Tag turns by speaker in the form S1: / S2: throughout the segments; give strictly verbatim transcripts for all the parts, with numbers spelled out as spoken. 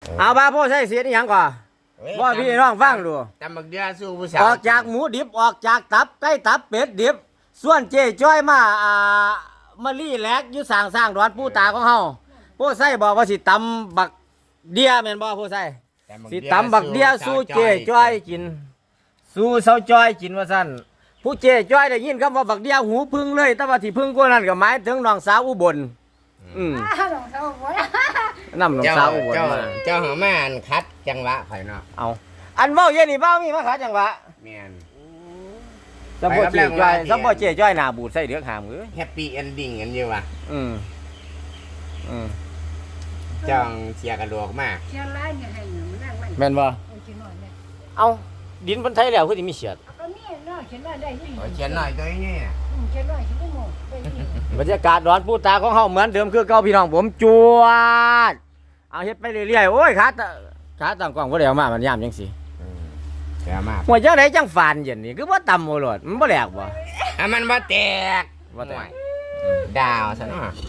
S1: เอาบ้าพ่อใส่เสียนี่ยังก่อนว่าพี่น้องฟังดู
S2: ตำบักเดือสู้ผู้สาว
S1: ออกจากหมูดิบออกจากตับไก่ตับเป็ดดิบส่วนเจ๊จ้อยมาอ่ามาลี่แลกอยู่สร้างสร้างดอนผู้ตาของเฮาผู้ใส่บอกว่าสิตำบักเดียแม่นบ่ผู้ใส่สิตำบักเดียสู้เจ๊จ้อยกินสู้เสาจ้อยกินว่าซั่นผู้เจ๊จ้อยได้ยินคำว่าบักเดียหูพึ่งเลยแต่ว่าที่พึ่งกว่านั้นก็หมายถึงน้องสาวอุบลอืม
S3: หลงเจ้าบ่
S1: นำน้อง
S2: เจ้า
S1: สาวอุบล
S2: เจ้า
S1: มา
S2: เจ้าหามาอันคัดจังหวะข่อยเนาะ
S1: เอาอันเว้าเย็นนี่เว้ามีมาขาจังหวะ
S2: แม่น
S1: สมบ่เจ๊จ้อยสมบ่เจ๊จ้อยหน้าบูดใส่เดือกหามเอ้ย
S2: แฮปปี้เอนดิ้งกันอยู่ว่ะ
S1: อืมอืม
S2: จ้องเสียกระโดกมาก
S3: เชียร์ไล่เนี่ยให้มันนั่งมัน
S1: แม่นบ่
S3: เออเชียร์น้อยเนี่ย
S1: เอาดินบนไทยแล้วคือสิมีเสียด
S3: ก็นี่เนาะเชียร์น้อยได้ยี่
S2: โอ้ยเขียนหน่อยตัวนี้
S3: เชียร์น้อยเชียร์ไม่หมดได้ยี่
S1: บรรยากาศร้อนปูตาของเฮาเหมือนเดิมคือเก่าพี่น้องผมจวดเอาเฮ็ดไปเรื่อยๆโอ้ยขาตะขาตั้งกล้องบ่ได้เอามามันยามจังซี่
S2: เสียมาก
S1: หัวจังไดจังฟานเย็นนี่คือบ่ต่ำโอรสมันบ่แหลกบ่
S2: อ่ะมันบ่แตก
S1: บ่แตก
S2: ดาวซะเนาะ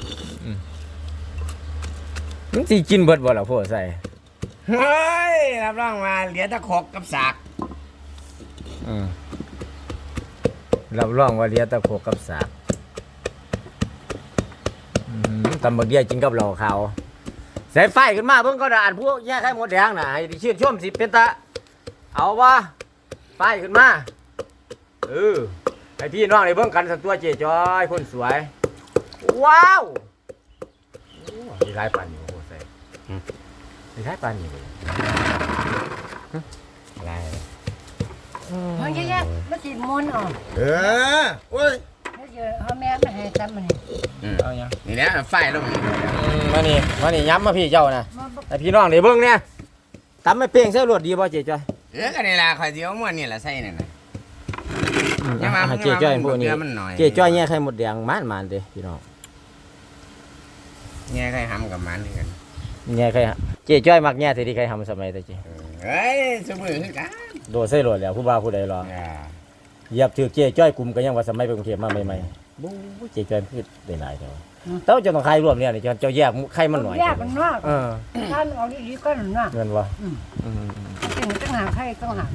S1: มันสิกินเบิดบ่ล่ะพ่อใส่
S2: เฮ้ยรับรองมาเหลือแตะขกกับสาก
S1: อืมรับรองว่าเหลียตะโคกกับสากอืมตำบักเดียกินกับเหล้าขาวใส่ไฟขึ้นมาเบิ่งก็ได้อ่านพวกแย่ไข่หมดแดงน่ะให้ชื่นชมสิเป็นตาเอาบ่ไฟขึ้นมาเออให้พี่น้องได้เบิ่งกันสักตัวเจ๊จอยคนสวย ว้าวโอ้มีหลายปานอยู่โอ้ใส่มีหลายปานอยู่
S2: อะไร
S3: เฮ้ยแย่ๆมาสิมนอ่ะ
S2: เออโอ้ย
S3: แล้วเจอพ่อแม่มาให้ตำมันนี่
S1: เอาหยัง
S2: นี่แหละไฟลง
S1: มานี่มานี่ย้ำมาพี่เจ้านะให้พี่น้องได้เบิ่งเนี่ยตำไม่เป้งใส่รวดดีบ่เจ๊จอย
S2: เออก็นี่ล่ะข่อยสิเอาม้วนนี่ล่ะใส่นั่นน่ะ
S1: อย่า
S2: อย่า
S1: มา
S2: มา
S1: เจ๊จ้อยพวกนี้
S2: เกลือมันหน่อย
S1: เจ๊จ้อยแย่ไข่หมดแดงมานมานเด้พี่น้อง
S2: แง่ไข่หำกับมันนี่กัน
S1: แย่ไข่ฮะเจ๊จ้อยมักแย่ที่ที่ไข่ทำสมัยแต่เจ๊
S2: เฮ้ยสมือคือกัน
S1: โดดใส่รวดแล้วผู้บ่าวผู้ใดรอ
S2: อ่า
S1: เหยียบถือเจ๊จ้อยกลุ่มก็ยังว่าสมัยไปกรุงเทพมาใหม่ๆบู๊เจ๊จ้อยคือได้หลายเท่าเต้าจะต้องไข่รวมเนี่ยนี่เจ้าเจ้าแยกไข่มันหน่อย
S3: แยกมันเนาะ
S1: เออ
S3: ท่านเอาดีๆก็หน่ะ
S1: เงินบ่
S3: อืม
S1: อืม
S3: เป็นตั้งหากให้ตั้งหาก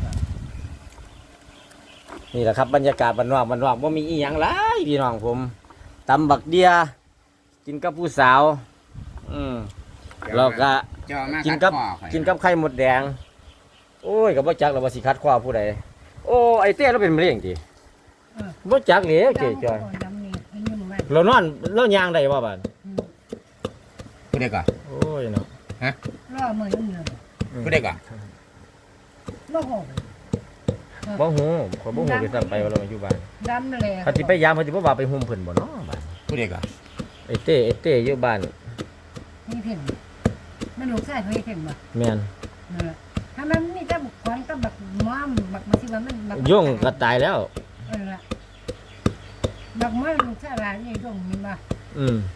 S1: นี่แหละครับบรรยากาศบ้านนอกบ้านนอกบ่มีอีหยังหลายพี่น้องผมตำบักเดียกินกับผู้สาว อืมแล้วก็
S2: เจ้ามา
S1: กิน
S2: กั
S1: กั
S2: บบ ข้อข่อย
S1: กินกับไข่หมดแดง โอ้ยกับบ่จักแล้วว่าสิคัดคว้าผู้ใดโอ้ไอ้เต้เราเป็นมะเร็งติบ่จักเลยเจ๊จ้อย
S3: ดำนี่เป็นยังไง
S1: เรานอนเราย่างได้บ่บาด
S2: พูดได้ก่อน
S1: โอ้ยเนาะ
S3: รอมือมันเลย
S2: พูดได้ก่อน
S3: โอ้โห
S1: บ่ฮู้ข่อยบ่ฮู้คือซ้ํไปว่าเรามาอยู่บ้าน
S3: ดำเลย
S1: ถ้าสิไปยามเพิ่นสิบ่ว่าไปหุ่มเพิ่นบ่เนาะบ้าน
S2: พูดได้ก่อน
S1: ไอ้เต้ไอ้เต้อยู่บ้าน
S3: มีเพ่งมันลูกชายเขาเพ่งบ่
S1: แม่น
S3: ถ้ามันมีแต่บุกควันก็บักม้อมบักมาสิว่ามันบัก
S1: ยุ่งก็ตายแล้ว
S3: เออละบักม้อมลูกชายหลานนี่ยุ่งมีบ่
S1: อืม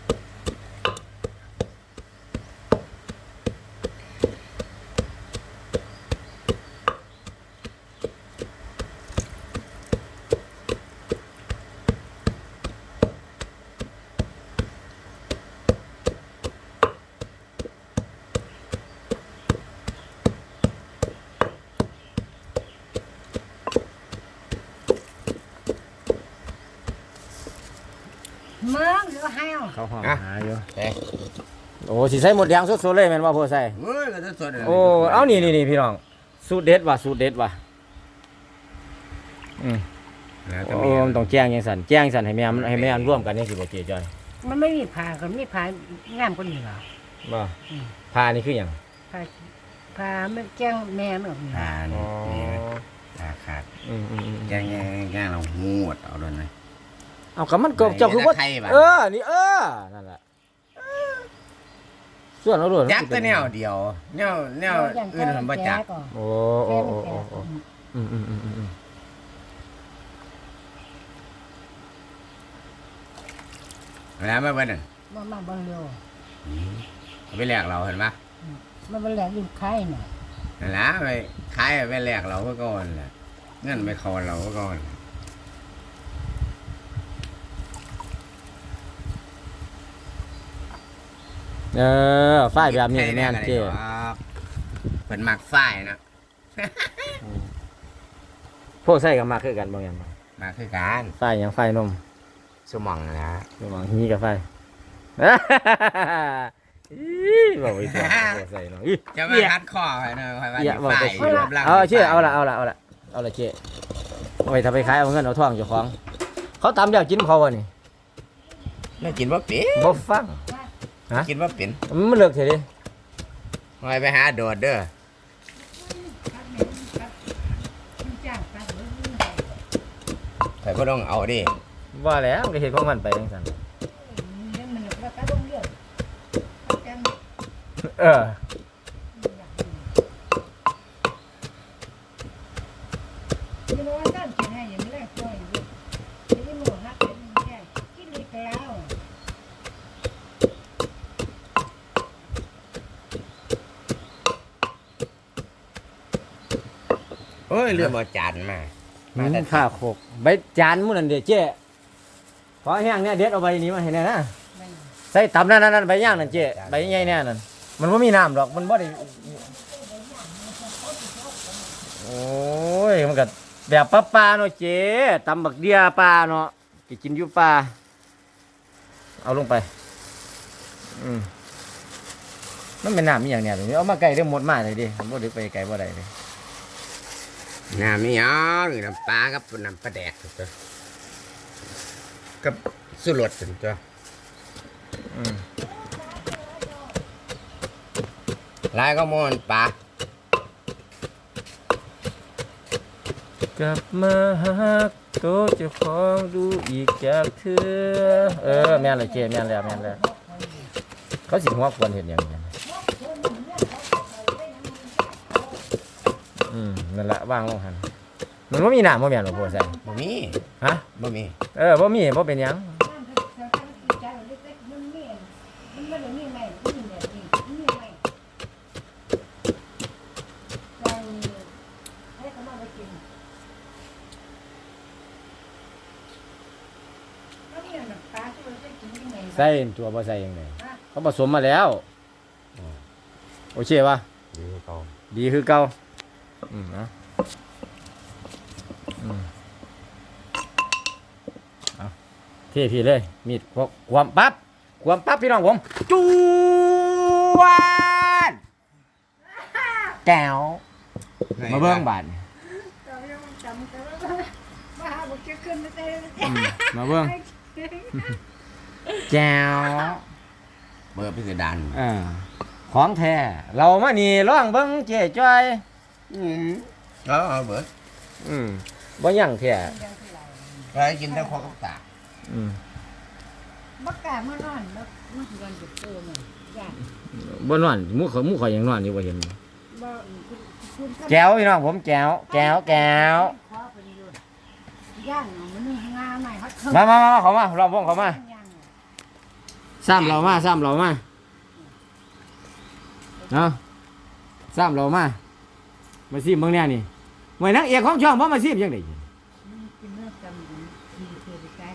S3: เมืองหรือว่าแห้ว
S1: เขาห้องหาอยู่
S2: เอ๊ะ
S1: โอ้สิใส่หมดแดงสดๆเลยแม่นบ่พ่อใส่
S2: เฮ้ยก็จะสดเลย
S1: โอ้ เอานี่นี่นี่พี่น้อง สูตรเด็ดว่ะ สูตรเด็ดว่ะ อืม
S2: แล้วก็
S1: โอ้
S2: มี
S1: มันต้องแจ้งยังสันแจ้งสันให้แม่มันให้แม่มันร่วมกันนี่สิบ่เจ๊จ้อย
S3: มันไม่มีผ่าก็มีผ่างามกว่านี้หรอ
S1: บ่พานี่คือหยัง
S3: ผ่าผ่ามันแจ้งแม่มันออกนี่
S2: อ่า
S1: อ๋อ
S2: นี่นี่ขาดขาด
S1: อืมอืมอืม
S2: แง่แง่แง่เราหูดเอาด้วยนะ
S1: เอาก็มันก็เจ้าคือว่า
S2: ไข่บัด
S1: เออ นี่เออ นั่นแหละส่วนเอาด้วย
S2: ยักษ์แต่แนวเดียวแนวแนวอื่นผมบ่จัก
S1: โอ้โอ้โอ้โอ้โอ้อืมอืมอืมอืมอืม
S2: แล้วมาเบิ่นนั่น
S3: มันมาบนเร็ว
S2: เอาไปแลกเราเห็นปะ
S3: มันเป็นแหลกอยู่ไข่น่ะ
S2: นั่นล่ะไปขายไปแลกเราก็ก่อนแหละเงินไปคอเราก็ก่อน
S1: เออฝ้ายแบบนี้แม่นเจ๊
S2: เพิ่นมักฝ้ายนะ
S1: พวกใส่กับมาคือกันบ่แม่นบ่
S2: มาคือกัน
S1: ไฟหยังไฟนม
S2: สมองนะ
S1: ระหว่างฮีกับไฟ อีบอกไว้ตัวพวกใส่เนาะอี
S2: จะมาคัดข้อให้หน่อยให้ว่า
S1: เหี้ยบอก
S2: ฝ้า
S1: แต่
S2: ย
S1: ชื่อ
S2: รับราง
S1: เอาเชื่อเอาละเอาละเอาละเอาละเชื่อเอาไปทำไปขายเอาเงินเอาทองเจ้าของเขาตำแล้วกินเขาวะนี่
S2: ไม่กินบ่เป็น
S1: บ่ฟัง
S2: กินบ่เป็น
S1: มันเลิกเถอะดิ
S2: หอยไปหาโดดเด้อ
S3: จ้างตัดเลย
S2: ข่อยบ่ต้องเอาดิ
S1: ว่าแล้วมันก็เห็นของมันไปจังซั่น
S3: เดี๋ยวมันก็ตัดลงเรื่องจัง
S1: เออ
S3: you know what I'm saying อย่างนี้แหละก็อยู่ที่หมู่ฮักเป็นแค่กินดีกแล้ว
S2: โอ้ยลืมเอาจานมา
S1: มั
S2: มานแต่
S1: ข้าโคกใบจานมื้อนั้นเด้เจ้ขอแห้งเนี่ยเด็ดเอาใบนี้มาให้แน่นะใส่ตำนั่นนั่นใบย่างนั่นเจ้ใบใหญ่แน่นั่นมันบ่มีน้ำดอกมันบ่ได้โอ้ยมันก็แบบปลาๆเนาะเจ้ตำบักเดียปลาเนาะสิกินอยู่ปลาเอาลงไปอืมมันเป็นน้ำมีอย่างเนี่ยตรงนี้เอามาไกลได้หมดมาเลยดิบ่ได้ไปไกลบ่ได้เลย
S2: น้ำมีหยังน้ำปลากับน้ำปลาแดกตัวกับสุรสตัว
S1: อืม
S2: ลายก็มอนปลาก
S1: ลับมาหักโตวเจ้าของดูอีกจากเธอเออแม่นเลยเจแม่นแล้วแม่นแล้วเขาสิหัวควรเห็นอย่างนี้อืมนั่นแหละว่างลงหันมันบ่มีน้ำบ่แม่นบ่พอใส่
S2: บ่มี
S1: ฮะ
S2: บ่มี
S1: เออบ่มีบ่เป็นหยัง
S3: มันไม่ได้มีไหมมันมีแบบนี้มีไหมเราให้เขามาไปกินแล้วนี่น้ำปลาที่เราได้กินยังไง
S1: ใส่ตัวบ่ใส่ยังไงเขาผสมมาแล้วโอเคป่ะ
S2: ดีเขา
S1: ดีคือเก่าอืมเนาะอืมเอาเท่พี่เลยมีดพกความปั๊บความปั๊บพี่น้องผมจูวานแก้วมาเบิ่งบาดนี่
S3: เรายังจำกันว่ามาหาบุกจะขึ้นไม่ได้
S1: อืมมาเบิ่งแก้ว
S2: เบอร์พิสดาร
S1: อ่าของแท้เรามานี่ลองเบิ่งเจ๊จ้อย
S2: อืมแล้วเอาเบิด
S1: อืมบ่ยั่งแท้
S2: ไปกินแต่ข้าวกับตา
S1: อืม
S3: บักกาเมื่อนอนแล้วมันสิวันจะเติมเลยย่าง
S1: บ่นอนหมู่เขาหมู่ข่อยยังนอนอยู่บ่เห็น
S3: บ่คุณ
S1: แก้วพี่น้องผมแก้วแก้วแก้ว
S3: ขอไปดูย่างมันนี่งาใหม่เขา
S1: มามามาเขามาลองวงเขามา
S3: ย่าง
S1: ซ้ำเรามาซ้ำเรามาเนาะซ้ำเรามามาซีมเบิ่งแน่นี่ไว้นักเอกของช่องบ่มาซีมจังได๋
S3: มันเป็นเรื่องจำดีดีเกินไปไกล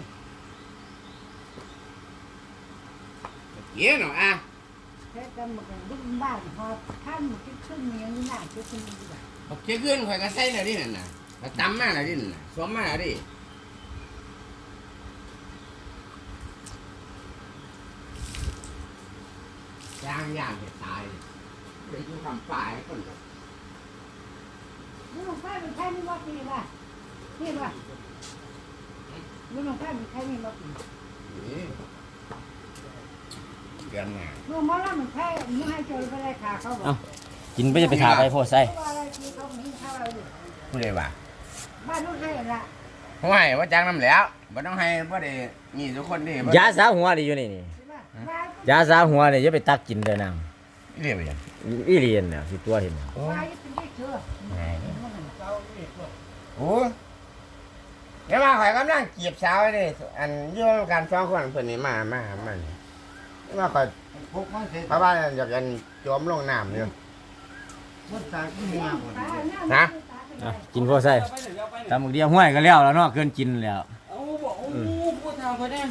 S2: เกี้ยหน่อยอ่ะ
S3: แค่จำมันบุ้งบ้านพอท่านมันขึ้นมันยังหน้าจะขึ้นดีกว่า
S2: เอาเกี้ยขึ้นข่อยก็ใส่หน่อยดินั่นน่ะแล้วตำมาหน่อยดินั่นน่ะสวมมาหน่อยดิย่างย่างจะตายไปดูทำฝ่ายคนก็
S3: ลูกไฟมันใช่ไม่ว่าปีละนี่ว่าลูกไฟมันใช่ไม่ว่าปี
S2: นี่เดือนหน้า
S3: ลูกมอลมันใช่มึงให้โจรไปเลยขาเขาบอก
S1: เอ้ากินไปจะไปถาไปโพดใส่
S3: ว่าอะไรที่เขาไม่เข้าเราอยู่
S2: ผู้ใดว่า
S3: บ้านลูกให้ละ
S2: ผมให้ว่าจ้างน้ำแล้วบ่ต้องให้บ่ได้มีทุกคนดิบ่
S1: ยาสาหัวนี่อยู่นี่นี่
S3: ใช่ป่ะบ้าน
S1: ยาสาหัวนี่อย่าไปตักกินเด้อนาง
S2: เรียบยัง
S1: อีเลียนน่ะสิตัวเห็นน่ะ
S3: บ้านเป็นได้เชื่อ
S2: โอ้เดี๋ยวมาข่อยกำลังจีบสาวนี่อันอยู่กันสองคนเพิ่นนี่มามามานี่เดี๋ยวมาข่อยเพราะว่าอยากกันจมลงน้ำอยู่ ฮะ
S1: อ่ะกินพอใส่ตำบักเดียวห้วยก็แล้วแล้วเนาะเกินกินแล้ว
S4: เอาบอกโอ้พูดทางเขาเนี่ย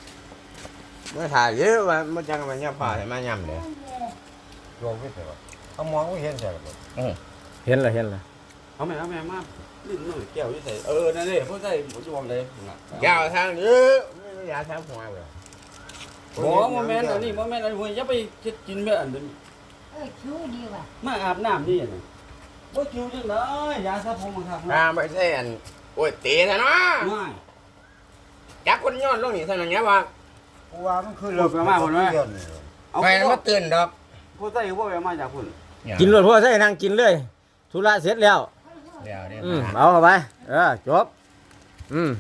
S2: เมื่อถ่ายเยอะว่ามันจังมันย่ำผ่าให้มาย่ำเลยรวมไปเถอะเขามองไม่เห็นใช่หรอ
S1: เห็นเลยเห็นเลย
S4: เอาแม่เอาแม่มาลิ้นหน่อยแก้วอยู่ใส่เออนั่นนี่ผู้ใส่ผมจะวางเลย
S2: แก้วทางนี้ไม่ยาแทงหัวเลย
S4: โอ้โมเมนต์อันนี้โมเมนต์อันนี้อย่าไปกินแบบอันนี้
S3: เออคิ้วดีว่ะ
S4: มาอาบน้ำนี่น่ะบ่คิวจังได๋ยาสระผมมาครับ
S2: อ่าไม่ใช่อันโอ้ยตีซะเนาะ
S4: ง่าย
S2: จักคนย้อนลงนี่เท่านั้นเนี้ยว่ากูว่ามันคือไฟมันตื่นดอก
S4: ผู้ใส่บ่ไปมาจากพุ่น
S1: กินรวดพวกใส่นั่งกินเลยธุระเสร็จแล้ว
S2: เดี๋ยวนี่
S1: อืมเอาเข้าไปเออจบอืม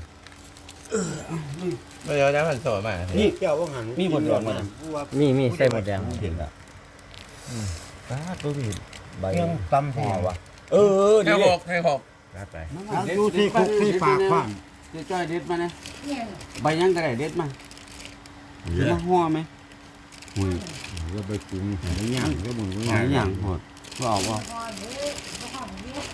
S2: เดี๋ยวจะพันโสดมานี่เกี่ยวว่าหัน
S4: มีบทหลวงมา
S1: มีมีใส่หมดแดง
S2: เห็นละ
S1: ป้าตัวพี่ใบ
S2: เรื่องตำหัววะ
S1: เออ
S2: ให้
S1: นี่
S2: หกให้หกรับไป
S4: ดูที่คุกที่ปากบ้านจะจ้อยเด็ดมานะ
S3: เนี่ย
S4: ใบยังก็ได้เด็ดมาสิมาห่อไหม
S2: ก็ไปกินหายย่างก็มึง
S4: หลายอย่างโหดบ่เอาบ่
S3: พอเด้อพอเด้อ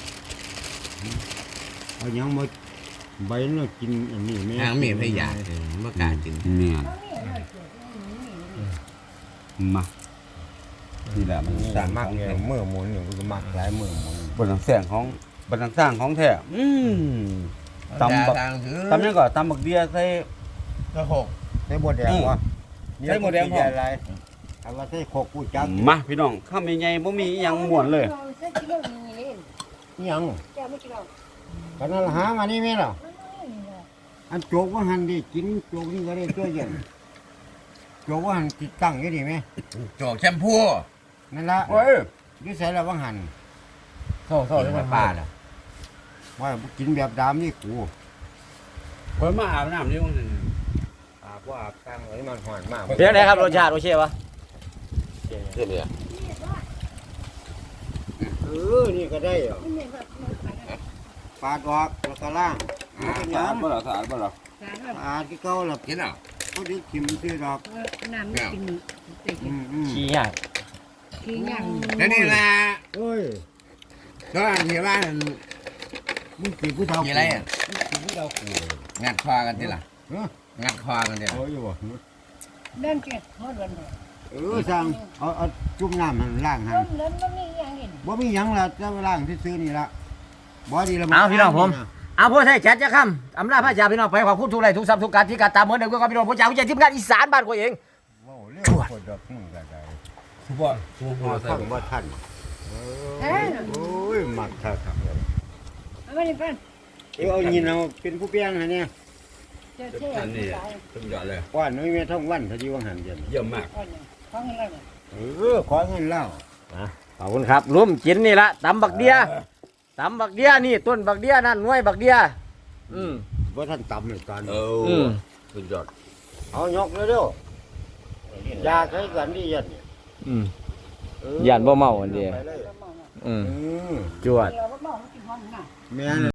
S5: เอายังมาใบน่ะกินอันนี้แม่
S2: ทางมีพยาเมื่อกากิน
S4: เนี่ย
S3: เขาเนี่ยเลยเกิดนี่นี่
S4: มานี่แหละมัน
S5: สามารถเนี่ยมือหมุนอยู่ก็มักหลายมือหมุน
S4: บนหลังแสงของบนหลังสร้างของแท้อืมตำบัก
S2: ทางถือ
S4: ตำยังก็ตำบักเดียใส่
S2: ก็หก
S5: ใส่บดแดงวะ
S4: ใส่หมดแดงพอ
S5: อะไรเอาว่าใส่โคกกูจัก
S4: มาพี่น้องข้ามใหญ่ๆบ่มีอิหยังม่วนเลย
S3: ใส่กิโลนึงนี่
S5: ยัง
S3: แก้วไม่กิโล
S5: กันนั่นหามานี่แม่หรอ
S3: มันนี่เลย
S5: อันโจกว่าหันดิกินโจกนี่ก็ได้ตัวเย็นโจกว่าหันติดตั้งอยู่ดิแม่
S2: โจกแชมพู
S5: นั่นละ
S4: เว้ย
S5: อยู่ใส่ละว่าหัน
S2: โซ่โซ่ที่มันป้าน่ะ
S5: ว่ากินแบบดามนี่กู
S4: เพิ่นมาอาบน้ำนี่ว่าซั่น
S5: อาบว่าอาบตั้งไว้มันหอนมาก
S1: เพียงไหนครับรสชาติโอเควะ
S2: เท่เลย
S5: เออนี่ก็ได้เหรอ
S3: นี่แบบมันขายได้
S5: ปาดออกแล้วก็ล่างมันเป็นห
S4: สะ
S5: ยั
S4: อาด
S5: ง
S4: บ่ล่ะสะอาดบ่ล่ะ
S3: สารแบบ
S5: อาดที่เก่าแล้ว
S2: กินเหรอ
S5: เขาดึกขิมซื้อดอก
S3: น้ำไม่กินเตะ
S5: อืมอืม
S1: ขี้ยาก
S3: ขี้ย่าง
S2: แล้วนี่แหละ
S5: เอ้ย
S2: ก็อันที่ว่า
S5: มึงจีบผู้เฒ่า
S2: กี่ไรอ่ะ
S5: จีบผู้เฒ่ากู
S2: งัดคอกันทีละ
S5: เออ
S2: งัดคอกันทีละ
S5: โอ้ยบ่
S3: เล่นเจ็ดหมดวันเลย
S5: เออสั่งเอาเอาจุ่มน้ำหันล่างหัน
S3: เล่นเล่นมันนี่ยังเห็น
S5: บ่มีหยังล่ะจะล่างที่ซื้อนี่ละบ่ดีละ
S1: เอาพี่น้องผมเอาพวกใส่แจัดจะค่ำอำลาพระจ่าพี่น้องไปขอบคุณทุกไลค์ทุกซับทุกการที่การตามเหมือนเดิมก็พี่น้องผมจ่าวิจัยทีมงานอีสานบ้านกูเอง
S5: โอ้เร็วกว่าดอกมึงก็ได้
S4: ทุกบ่ทุก
S5: บ่
S4: ห่อใส่
S5: ทันบ่ทัน
S3: เอ้ย
S5: โอ้ยมักคักครับ
S3: เอาไม่ได้เป็น
S5: เออเอายินเอาเป็นผู้เปียงฮะเนี่ย
S3: เจ้าเท่
S4: อันนี้
S3: ตาย
S4: สุดยอดเลย
S5: ว่าน้อยแม่ท่องวันเขาสิว่าหันจัง
S4: เยี่ยมมาก
S3: ก่อนเนี่ยเขาเงินอะไรเนี่ย
S5: เออขอเงินแล้ว
S1: ขอบคุณครับรุ่มกินนี่ละตำบักเดียตำบักเดียนี่ต้นบักเดียนั่นหน่วยบักเดียอืม
S5: บ่ทันตำเลยตอน
S2: เอ
S1: อื
S2: อ
S1: ม
S2: สุดยอด
S5: เอายกเร็วๆยาใช้กันดียัน
S1: อืม
S5: เออย่
S1: านบ่เมาอันเดียว
S5: ไปล
S1: อืม
S5: อืม
S1: จวด
S3: เดี๋ยวมันบอกมันกินหอมนะ
S5: แม่น